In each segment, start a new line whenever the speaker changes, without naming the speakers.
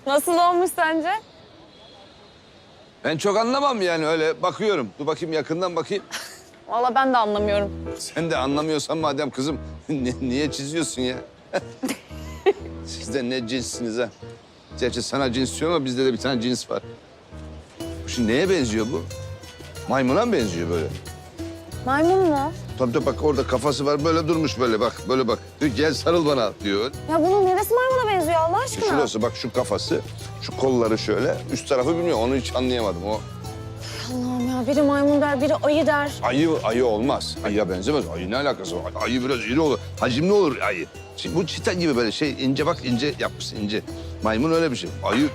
Nasıl olmuş sence?
Ben çok anlamam yani öyle bakıyorum. Dur bakayım yakından bakayım.
Vallahi ben de anlamıyorum.
Sen de anlamıyorsan madem kızım niye çiziyorsun ya? Siz de ne cinssiniz ha? Gerçi sana cins diyor ama bizde de bir tane cins var. Bu şimdi neye benziyor bu? Maymuna mı benziyor böyle?
Maymun mu?
Tabii bak orada kafası var böyle durmuş böyle bak böyle bak. Diyor gel sarıl bana diyor.
Ya bunun neresi maymuna benziyor Allah aşkına?
Şurası bak şu kafası, şu kolları şöyle. Üst tarafı bilmiyorum onu hiç anlayamadım o.
Allah'ım ya biri maymun der, biri ayı der.
Ayı olmaz. Ayıya benzemez. Ayı ne alakası var? Ayı biraz iri olur. Hacimli olur ayı. Şimdi bu çita gibi böyle şey ince bak ince yapmış ince. Maymun öyle bir şey. Ayı...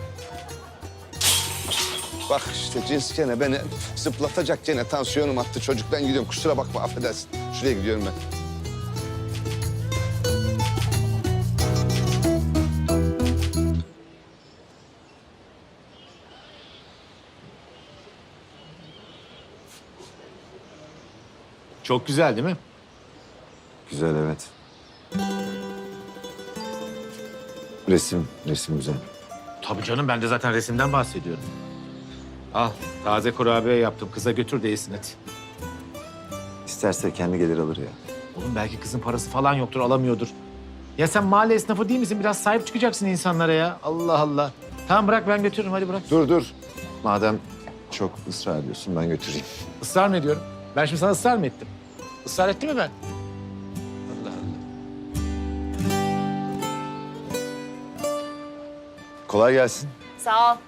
Bak işte cins gene beni zıplatacak gene tansiyonum attı. Çocuk ben gidiyorum kusura bakma affedersin. Şuraya gidiyorum ben.
Çok güzel değil mi?
Güzel evet. Resim güzel.
Tabii canım ben de zaten resimden bahsediyorum. Al taze kurabiye yaptım. Kıza götür de yesin hadi.
İsterse kendi gelir alır ya.
Oğlum belki kızın parası falan yoktur alamıyordur. Ya sen mahalle esnafı değil misin? Biraz sahip çıkacaksın insanlara ya. Allah Allah. Tamam bırak ben götürürüm hadi bırak.
Dur. Madem çok ısrar ediyorsun ben götüreyim.
Israr mı ediyorum? Ben şimdi sana ısrar mı ettim? Israr ettim mi ben? Allah Allah.
Kolay gelsin.
Sağ ol.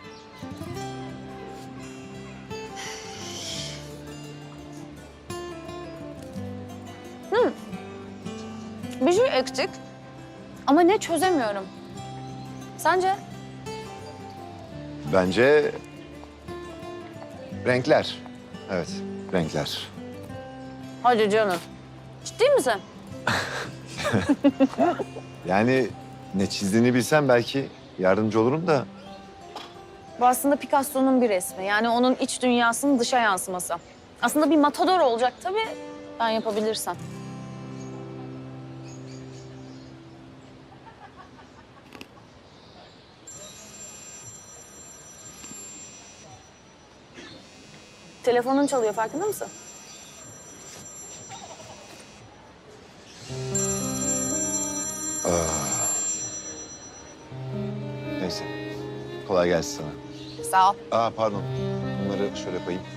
Bir şey eksik. Ama ne çözemiyorum. Sence?
Bence renkler. Evet, renkler.
Hadi canım. Ciddi misin?
Yani ne çizdiğini bilsem belki yardımcı olurum da
Bu aslında Picasso'nun bir resmi. Yani onun iç dünyasının dışa yansıması. Aslında bir matador olacak tabii. Ben yapabilirsem. Telefonun çalıyor farkında mısın?
neyse. Kolay gelsin sana.
Sağ ol.
Pardon. Bunları şöyle koyayım.